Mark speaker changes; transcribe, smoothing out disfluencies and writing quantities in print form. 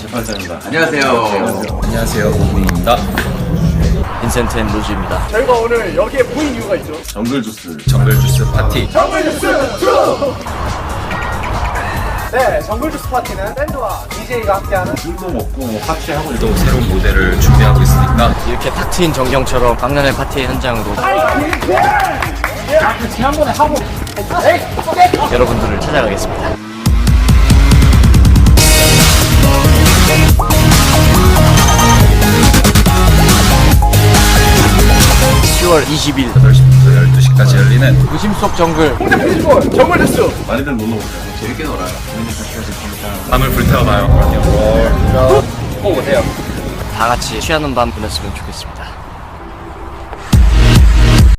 Speaker 1: 재판장입니다.
Speaker 2: 안녕하세요.
Speaker 1: 안녕하세요. 오분입니다.
Speaker 3: 빈센트 앤 로즈입니다.
Speaker 4: 저희가 오늘 여기에 모인 이유가 있죠.
Speaker 1: 정글주스 파티.
Speaker 4: 정글주스 2! 네, 정글주스 파티는 밴드와 DJ가 함께하는
Speaker 1: 술도 먹고 파티하고
Speaker 5: 또 새로운 모델을 준비하고 있으니까
Speaker 3: 이렇게 탁 트인 전경처럼 박람회 파티 현장으로
Speaker 4: 지난번에 하고
Speaker 3: 여러분들을 찾아가겠습니다. 10월 20일
Speaker 5: 8시부터 12시까지 열리는
Speaker 3: 도심 속 정글
Speaker 4: 페이지볼 정글주스
Speaker 1: 많이들 놀러 오세요.
Speaker 2: 재밌게 놀아요.
Speaker 5: 밤을 불태워봐요.
Speaker 3: 다 같이 취하는 밤 보냈으면 좋겠습니다.